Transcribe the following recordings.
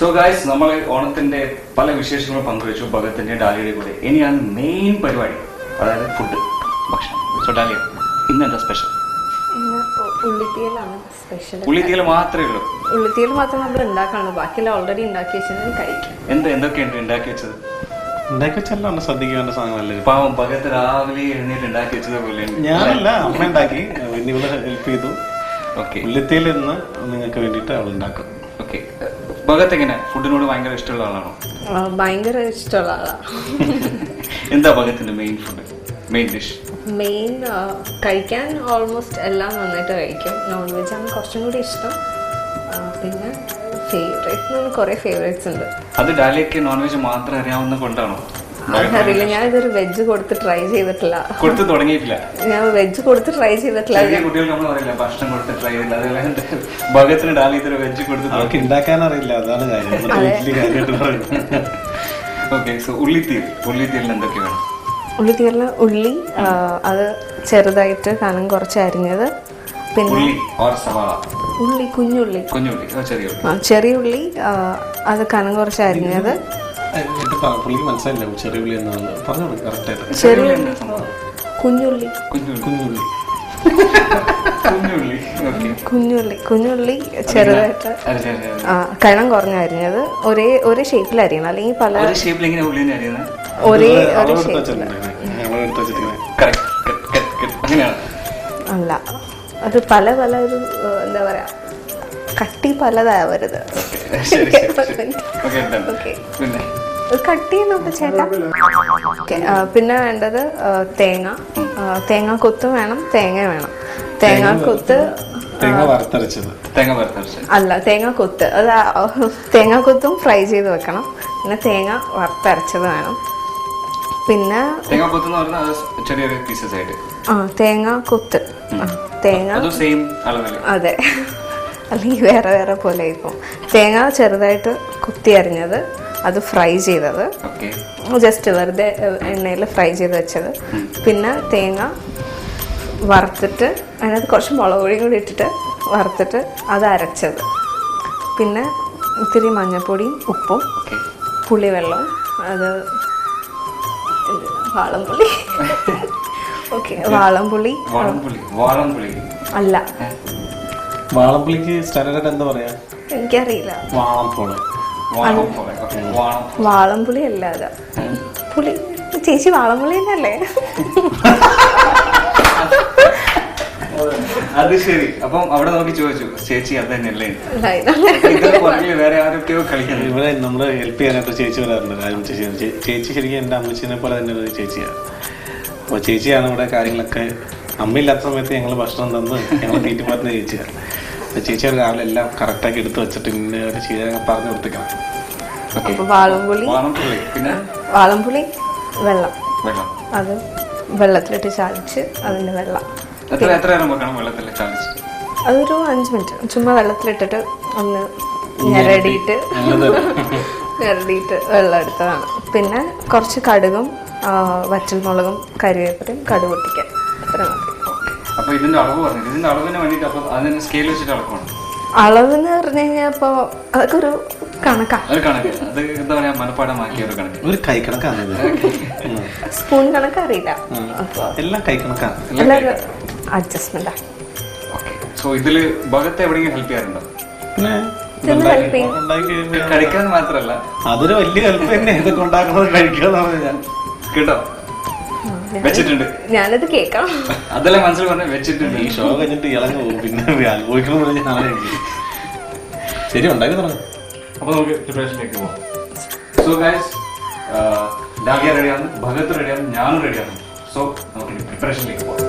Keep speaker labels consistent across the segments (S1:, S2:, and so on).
S1: Guys, നമ്മൾ ഓണത്തിന്റെ പല വിശേഷങ്ങളും പങ്കുവച്ചു ഭഗത്തിന്റെ ഡാലിയുടെ കൂടെ. ഇനിയാണ് മെയിൻ പരിപാടി, അതായത് ഫുഡ്, ഭക്ഷണം. സോ ഡാലിയ, ഇന്ന് എന്താ സ്പെഷ്യൽ?
S2: ഉള്ളിത്തീയലാണ് സ്പെഷ്യൽ.
S1: ഉള്ളിത്തീയൽ മാത്രമേ ഉള്ളൂ?
S2: ഉള്ളിത്തീയൽ മാത്രം നമ്മൾ ഉണ്ടാക്കാണ്, ബാക്കിയെല്ലാം ഓൾറെഡി ഉണ്ടാക്കി വെച്ചത് കഴിക്കും.
S1: എന്തൊക്കെയുണ്ട് ഉണ്ടാക്കി വെച്ചത്?
S3: ഉണ്ടാക്കി വെച്ചെല്ലാം ശ്രദ്ധിക്കേണ്ട സാധനമല്ലേ.
S1: പാവം ഭഗത്ത് രാവിലെ എഴുന്നേറ്റ് ഉണ്ടാക്കി വെച്ചത് പോലെ.
S3: ഞാനല്ല, അമ്മ ഉണ്ടാക്കി, പിന്നെ ഇവിടെ ഹെൽപ്പ് ചെയ്തു.
S1: ഓക്കെ,
S3: ഉള്ളിത്തീയൽ ഇന്ന് നിങ്ങൾക്ക് വേണ്ടിയിട്ട് അവൾ ഉണ്ടാക്കും.
S1: ഓക്കെ, ഭഗത്ത് എങ്ങനെ ഫുഡിനോട് ഭയങ്കര ഇഷ്ടമുള്ള ആളാണോ?
S2: ഭയങ്കര ഇഷ്ടമുള്ള ആളാണ്.
S1: എന്താ ഭഗത്തിന്റെ main food, main dish?
S2: Main കഴിക്കാൻ ഓൾമോസ്റ്റ് എല്ലാം നന്നായിട്ട് കഴിക്കും. നോൺ വെജ് ആണ് കുറച്ചും കൂടി ഇഷ്ടം. പിന്നെ ഫേവറേറ്റ് കുറേ ഫേവറേറ്റ്സ് ഉണ്ട്.
S1: അത് ഡാലിയക്ക് നോൺ വെജ് മാത്രം അറിയാവുന്ന കൊണ്ടാണോ?
S2: അറിയില്ല, ഞാൻ ഇതൊരു വെജ് കൊടുത്ത് ട്രൈ ചെയ്തിട്ടില്ല.
S1: കൊടുത്ത് തുടങ്ങിയിട്ടില്ല?
S2: ഞാൻ വെജ് കൊടുത്ത് ട്രൈ ചെയ്തിട്ടില്ല.
S1: കുട്ടികൾക്ക് നമ്മൾ അറിയില്ല, ഭക്ഷണം കൊടുത്ത് ട്രൈ ചെയ്തില്ല. അതല്ലാണ്ട് ഭഗത്തിന് ഡാലി ഇതൊരു വെജ് കൊടുത്ത്
S3: അവർക്ക് ഉണ്ടാക്കാൻ അറിയില്ല, അതാണ് കാര്യം.
S1: ഓക്കെ, സോ ഉള്ളിത്തീയലിന് എന്തൊക്കെ വേണം?
S2: ഉള്ളിത്തീയലിന് ഉള്ളി, അത് ചെറുതായിട്ട് കനം കുറച്ച് അരിഞ്ഞത്. പിന്നെ ഉള്ളി, കുഞ്ഞുള്ളി, ചെറിയ ഉള്ളി, അത് കനം കുറച്ച് അരിഞ്ഞത്.
S3: മനസ്സിലായില്ല ചെറിയ ഉള്ളി എന്നാണ് പറഞ്ഞോളൂ കറക്റ്റായിട്ട്.
S2: ചെറിയ ഉള്ളി, കുഞ്ഞുള്ളി, കുഞ്ഞുള്ളി ചെറുതായിട്ട് കനം കുറഞ്ഞ അരിഞ്ഞത്. ഒരേ ഷേപ്പിൽ അരിയണം, അല്ലെങ്കിൽ പല ഒരേ അല്ല, അത് പല ഒരു എന്താ പറയാ, കട്ടി പലതാവരുത്. കട്ടി ചെയ്യുന്നുണ്ട് ചേട്ടാ. പിന്നെ വേണ്ടത് തേങ്ങ കൊത്ത് വേണം, തേങ്ങ വേണം. തേങ്ങാക്കൊത്ത് അല്ല, തേങ്ങാക്കൊത്ത്, അത് തേങ്ങാക്കൊത്തും ഫ്രൈ ചെയ്ത് വെക്കണം. പിന്നെ തേങ്ങ വറുത്തരച്ചത് വേണം. പിന്നെ തേങ്ങാക്കൊത്ത്, തേങ്ങ അതെ, അല്ലെങ്കിൽ വേറെ പോലെ ഇപ്പം. തേങ്ങ ചെറുതായിട്ട് കുത്തി അരിഞ്ഞത്, അത് ഫ്രൈ ചെയ്തത്, ജസ്റ്റ് വെറുതെ എണ്ണയിൽ ഫ്രൈ ചെയ്ത് വെച്ചത്. പിന്നെ തേങ്ങ വറുത്തിട്ട് അതിനകത്ത് കുറച്ച് മുളക് പൊടിയും കൂടി ഇട്ടിട്ട് വറുത്തിട്ട് അത് അരച്ചത്. പിന്നെ ഇത്തിരി മഞ്ഞൾപ്പൊടിയും ഉപ്പും പുളിവെള്ളവും, അത് വാളംപുളി. ഓക്കെ, വാളംപുളി അല്ല,
S3: വാളംപുളിക്ക് സ്റ്റാൻഡേർഡ് എന്താ പറയാ
S2: എനിക്കറിയില്ല. വാളംപുളി അല്ല, അതാ പുളി. ചേച്ചി വാളംപുളി തന്നെയല്ലേ?
S1: അത് ശരി. അപ്പം അവിടെ നോക്കി ചോദിച്ചു, ചേച്ചി അത് തന്നെയല്ലേ? വേറെ ആരൊക്കെയോ കളിക്കുന്നത്.
S3: ഇവിടെ നമ്മള് ഹെൽപ്പ് ചെയ്യാനായിട്ട് ചേച്ചി വരാറുണ്ട്. ചേച്ചി ശരിക്കും എൻ്റെ അമ്മച്ചിനെ പോലെ തന്നെ ഒരു ചേച്ചിയാണ്. അപ്പോൾ ചേച്ചിയാണ് ഇവിടെ കാര്യങ്ങളൊക്കെ. അമ്മയില്ലാത്ത സമയത്ത് ഞങ്ങൾ ഭക്ഷണം തന്ന് ഞങ്ങൾ തീറ്റുമാറ്റുന്ന ചേച്ചിയാണ്. അപ്പോൾ ചേച്ചിയുടെ രാവിലെ എല്ലാം കറക്റ്റാക്കി എടുത്ത് വെച്ചിട്ട് ഇന്ന ഒരു ചെയ്യാൻ പറഞ്ഞു കൊടുത്തേക്കണം.
S2: വാളംപുളി വെള്ളം, അത് വെള്ളത്തിലിട്ട് ചാലിച്ച് അതിന്റെ വെള്ളം അതൊരു 5 മിനിറ്റ് ചുമ്മാ വെള്ളത്തിലിട്ടിട്ട് ഒന്ന് ഞെരടിയിട്ട് വെള്ളം എടുത്തതാണ്. പിന്നെ കുറച്ച് കടുകും വറ്റൽമുളകും കരിവേപ്പിലയും കടുക് പൊട്ടിക്കാൻ, അത്ര മതി. അളവെന്ന് പറഞ്ഞു കഴിഞ്ഞാൽ ഇപ്പോൾ അതൊക്കെ ഒരു സ്പൂൺ കണക്ക് അറിയില്ല, എല്ലാം അഡ്ജസ്റ്റ്മെന്റാ.
S1: കഴിക്കാൻ മാത്രല്ല,
S3: അതൊരു വലിയ ഹെൽപ്പ് തന്നെ. ഇതൊക്കെ ഉണ്ടാക്കുന്നത് കഴിക്കാന്ന് ഞാൻ
S1: കേട്ടോ, വെച്ചിട്ടുണ്ട്.
S2: ഞാനത് കേൾക്കണം,
S1: അതെല്ലാം മനസ്സിൽ പറഞ്ഞ വെച്ചിട്ടുണ്ട്.
S3: ഈ ഷോ കഴിഞ്ഞിട്ട് ഇളങ്ങ് പോകും, പിന്നെ അനുഭവിക്കണം പറഞ്ഞ ഞാനേ. ശരി, ഉണ്ടാക്കി തുടങ്ങും.
S1: അപ്പൊ നമുക്ക് പ്രിപ്പറേഷനിലേക്ക് പോകാം. സോ ഗൈസ്, ഡാലിയ റെഡിയാണ്, ഭഗത് റെഡിയാണ്, ഞാനും റെഡിയാണ്. സോ നമുക്ക് പ്രിപ്പറേഷനിലേക്ക് പോകാം.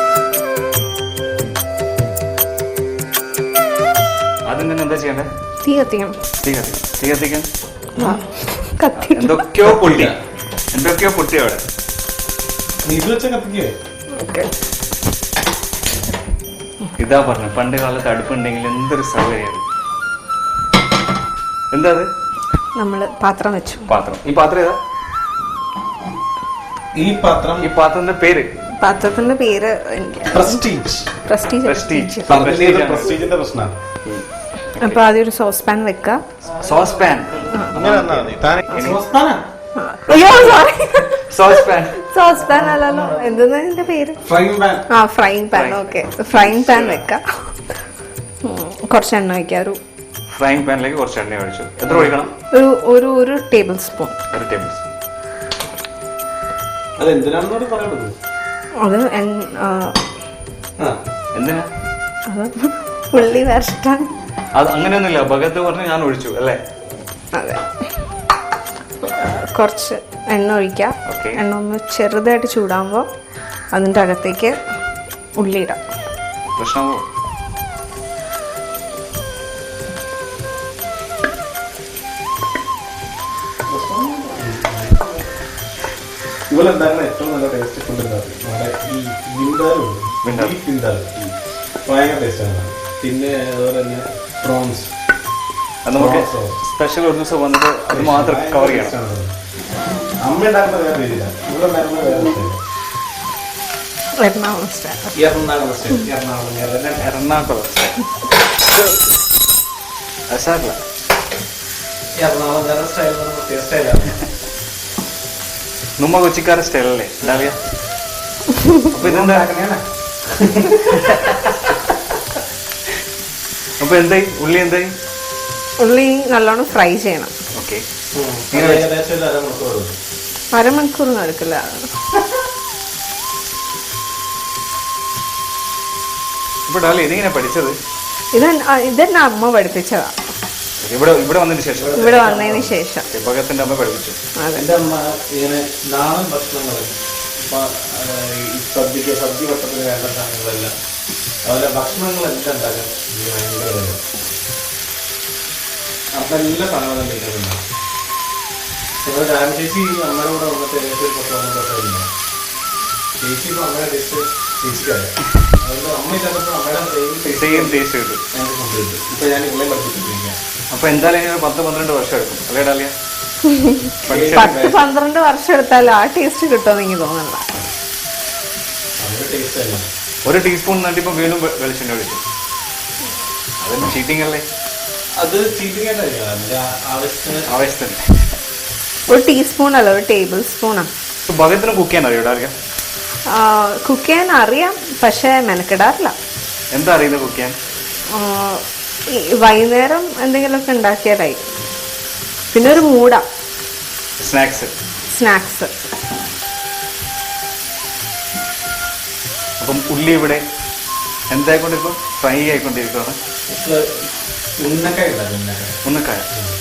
S1: ആദ്യം തന്നെ എന്താ ചെയ്യണ്ടേ?
S2: തീ കത്തിക്കണം.
S1: എന്തൊക്കെയോ പൊട്ടി അവിടെ. ഇതാ പറഞ്ഞു, പണ്ട് കാലത്ത് അടുപ്പുണ്ടെങ്കിൽ എന്തൊരു സൗകര്യമാണ്. എന്താ അത്?
S2: നമ്മള് പാത്രം വെച്ചു.
S1: ഈ പാത്രം ഏതാ? ഈ പാത്രത്തിന്റെ പേര്
S2: അപ്പൊ ആദ്യം ഒരു സോസ് പാൻ വെക്കുക.
S1: സോസ് പാൻ
S3: ഇങ്ങനെ വന്നാൽ മതി.
S2: അയ്യോ sorry,
S1: sauce pan.
S2: Sauce pan അല്ലല്ലോ, എന്തെന്നാ ഇതിന്റെ പേര്? ആ frying pan. Okay, frying pan വെക്കാം. കുറച്ച് എണ്ണ വയ്ക്കാം.
S1: ഫ്രൈങ് പാനിലേക്ക് കുറച്ച് എണ്ണ ഒഴിച്ചു. എത്ര ഒഴിക്കണം?
S2: ഒരു ടേബിൾ സ്പൂൺ.
S1: ഒരു ടേബിൾ സ്പൂൺ.
S3: അത് എന്തിനാണെന്നോട് പറയുന്നത്?
S2: അത്
S1: എന്തിനാ?
S2: അത് ഉള്ളി വരട്ടാൻ.
S1: അത് അങ്ങനെയൊന്നുമില്ല, ഭഗത്ത് പറഞ്ഞ് ഞാൻ ഒഴിച്ചു അല്ലേ?
S2: അതെ, കുറച്ച് എണ്ണ ഒഴിക്കാം. എണ്ണ ഒന്ന് ചെറുതായിട്ട് ചൂടാകുമ്പോൾ അതിൻ്റെ അകത്തേക്ക് ഉള്ളി ഇടാം.
S1: പ്രശ്നമോ?
S3: ഇവിടെ ഉണ്ടാക്കുന്ന ഏറ്റവും നല്ല ടേസ്റ്റ് ഫുഡ് ഉണ്ടാവും നമ്മുടെ ഈ വിന്താലുണ്ട്, ഭയങ്കര ടേസ്റ്റാണ്. പിന്നെ അതുപോലെ തന്നെ പ്രോൺസ്
S1: നമുക്ക് സ്പെഷ്യൽ ഒരു ദിവസം വന്നിട്ട് അത് മാത്രം കവർ ചെയ്യണം.
S3: അമ്മ ഉണ്ടാക്കുന്ന വേറെ രീതിയില്ല, ഇവിടെ ഉണ്ടാക്കുന്ന വേറെ
S2: എറണാകുളം സ്റ്റൈൽ.
S1: എറണാകുളം സാറില്ല,
S3: എറണാകുളം വേറെ സ്റ്റൈൽ, പ്രത്യേക സ്റ്റൈലാണ്.
S1: നമ്മ കൊച്ചിക്കാരൻ സ്റ്റൈലല്ലേ ഡാലിയ? അപ്പൊ ഇതെന്താ? അപ്പൊ എന്തായി? ഉള്ളി എന്തായി?
S2: ഉള്ളി നല്ലോണം ഫ്രൈ ചെയ്യണം.
S1: ഓക്കെ,
S2: അരമണിക്കൂർ എടുക്കില്ല.
S1: ഇപ്പൊ ഡാലിയ ഇതെങ്ങനെ പഠിച്ചത്?
S2: ഇതെന്നെ അമ്മ പഠിപ്പിച്ചതാ.
S1: ഇവിടെ വന്നതിന് ശേഷം?
S2: ഇവിടെ വന്നതിന് ശേഷം
S1: ഭഗത്തിന്റെ അമ്മ പഠിപ്പിച്ചു.
S3: എൻ്റെ അമ്മ ഇങ്ങനെ നാടൻ ഭക്ഷണങ്ങൾ, സദ്യ ഭക്ഷണത്തിന് വേണ്ട സാധനങ്ങളെല്ലാം, അതുപോലെ ഭക്ഷണങ്ങളെല്ലാം ഉണ്ടാക്കാൻ ഭയങ്കര അപ്പം എല്ലാ സാധനങ്ങളും ഉണ്ടാകും. ഞങ്ങൾ രാമ ചേച്ചി അമ്മയുടെ കൂടെ വന്നിട്ട് ഏകദേശം 10 വർഷമായിരുന്നു. ചേച്ചി ഇപ്പോൾ അമ്മയുടെ ടേസ്റ്റ് ചേച്ചിക്കാണ്. അതുകൊണ്ട് അമ്മ ഇല്ലാത്തപ്പോൾ അമ്മയുടെ
S1: സെയിം ടേസ്റ്റ് കിട്ടും.
S3: ഞങ്ങൾക്ക് കൊണ്ടുവരും. ഇപ്പം ഞാൻ ഇവിടെ പഠിപ്പിച്ചിട്ടിരിക്കാം.
S1: അപ്പൊ എന്തായാലും 10-12 വർഷം എടുക്കും അല്ലേ ഡാലിയ?
S2: 10-12 വർഷം എടുത്താൽ ആ ടേസ്റ്റ് കിട്ടുമെന്ന് എനിക്ക് തോന്നുന്നില്ല.
S1: ഒരു ടീസ്പൂൺ നട്ടിപ്പോ വീണ്ടും വെളിച്ചെണ്ണ ഒഴിച്ചു. അതൊന്നും ചീറ്റിംഗ് അല്ലേ?
S3: അത് ചീറ്റിംഗ് ആവശ്യത്തിന്.
S2: ഒരു ടീസ്പൂൺ അല്ല, ഒരു ടേബിൾ സ്പൂണാ.
S1: ഭഗത്തിന് കുക്ക് ചെയ്യാൻ അറിയോ ഡാലിയ?
S2: കുക്ക് ചെയ്യാൻ അറിയാം, പക്ഷെ മെനക്കെടാറില്ല.
S1: എന്താ അറിയുന്നത് കുക്ക് ചെയ്യാൻ?
S2: വൈകുന്നേരം എന്തെങ്കിലുമൊക്കെ ഉണ്ടാക്കിയാലായി. പിന്നെ ഒരു മൂടാ സ്നാക്സ്.
S1: അപ്പം ഉള്ളി ഇവിടെ എന്തായിക്കൊണ്ടിരിക്കും? ഫ്രൈ ആയിക്കൊണ്ടിരിക്കുകയാണ്. ഉന്നക്കായ.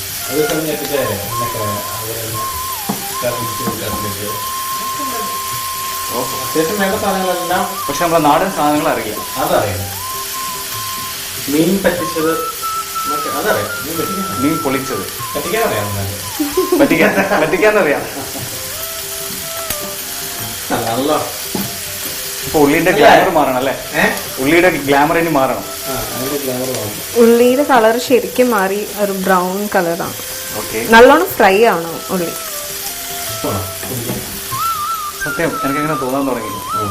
S3: അത്യാവശ്യം വേണ്ട സാധനങ്ങളെല്ലാം,
S1: പക്ഷെ നമ്മളെ നാടൻ സാധനങ്ങൾ അറിയാം.
S3: അതറിയാം. മീൻ പറ്റിച്ചത് അതറിയാം.
S1: മീൻ പൊളിച്ചത്
S3: പറ്റിക്കാനറിയാം.
S1: പറ്റിക്കാന്നറിയാം.
S3: നല്ല.
S1: ഇപ്പൊ ഉള്ളിന്റെ ഗ്ലാമർ മാറണം അല്ലേ? ഉള്ളിയുടെ ഗ്ലാമർ ഇനി മാറണം.
S2: ഉള്ളിയുടെ കളർ ശരിക്കും മാറി ഒരു ബ്രൗൺ കളറാണ്.
S1: ഓക്കെ,
S2: നല്ലോണം ഫ്രൈ ആവണം ഉള്ളി.
S1: സത്യം എനിക്കങ്ങനെ തോന്നാൻ തുടങ്ങി.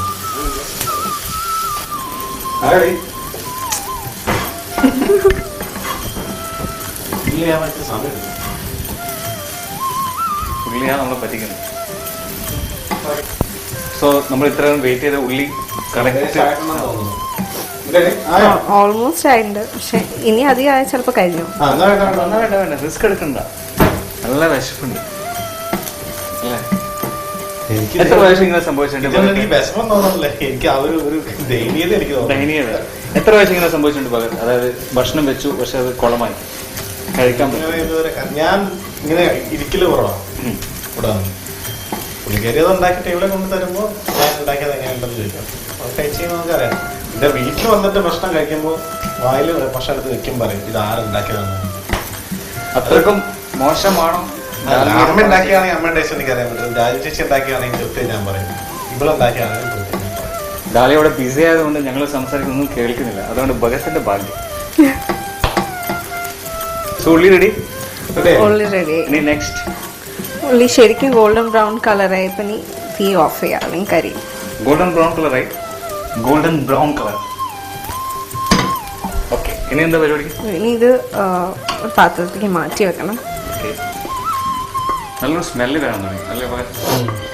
S1: ഉള്ളിയാണ് നമ്മളെ പറ്റിക്കുന്നത്. സോ നമ്മൾ ഇത്രയും വെയിറ്റ് ചെയ്ത ഉള്ളി
S2: ഓൾമോസ്റ്റ് ആയിട്ടുണ്ട്. പക്ഷെ ഇനി അധികം ആയാൽ ചിലപ്പോൾ കഴിഞ്ഞു.
S1: വേണ്ട റിസ്ക് എടുക്കണ്ട. നല്ല വിശപ്പുണ്ട് അല്ലേ? എത്ര പ്രാവശ്യം ഇങ്ങനെ സംഭവിച്ചിട്ടുണ്ട്? ദയനീയത. എത്ര പ്രാവശ്യം ഇങ്ങനെ സംഭവിച്ചിട്ടുണ്ട് പകരം? അതായത് ഭക്ഷണം വെച്ചു, പക്ഷെ അത് കുളമായി, കഴിക്കാൻ പറ്റും.
S3: ഞാൻ ഇങ്ങനെ ഇരിക്കല് കുറവാണ്. ഇവിടെ പുള്ളിക്കാരിയത് ഉണ്ടാക്കി ടേബിളെ കൊണ്ട് തരുമ്പോൾ ഞാൻ ഉണ്ടാക്കിയത് എങ്ങനെയുണ്ടെന്ന് ചോദിക്കാം. അത് കഴിച്ച് കഴിയുമ്പോൾ നമുക്കറിയാം. എൻ്റെ വീട്ടിൽ വന്നിട്ട് ഭക്ഷണം കഴിക്കുമ്പോൾ വായിൽ ഭക്ഷണം എടുത്ത് വെക്കും, പറയും ഇത് ആരുണ്ടാക്കിയതാണ്.
S1: അത്രക്കും മോശമാണോ?
S3: അമ്മ ഉണ്ടാക്കിയാണെങ്കിൽ അമ്മ ടേസ്റ്റ് എനിക്ക് അറിയാൻ പറ്റും. രാജു ചേച്ചി ഉണ്ടാക്കിയാണെങ്കിൽ കൃത്യം ഞാൻ പറയും. ഇവളുണ്ടാക്കിയാണെങ്കിൽ
S1: ഡാലി അവിടെ ബിസി ആയതുകൊണ്ട് ഞങ്ങൾ സംസാരിക്കുന്നൊന്നും കേൾക്കുന്നില്ല. അതുകൊണ്ട് ഭഗത്തിന്റെ ഭാഗ്യം. ഉള്ളി റെഡി.
S2: ഉള്ളി റെഡി.
S1: ഇനി നെക്സ്റ്റ്
S2: ഉള്ളി ശരിക്കും ഗോൾഡൻ ബ്രൗൺ കളറായി. ഇപ്പം നീ തീ ഓഫ് ചെയ്യാം, അല്ലെങ്കിൽ കരി.
S1: ഗോൾഡൻ ബ്രൗൺ കളറായി. Golden brown colour. ഓക്കെ, ഇനി എന്താ പരിപാടി?
S2: ഇനി ഇത് ഒരു പാത്രത്തിലേക്ക് മാറ്റി വെക്കണം.
S1: നല്ലൊരു സ്മെല്ല് വരാൻ തുടങ്ങി അല്ലേ?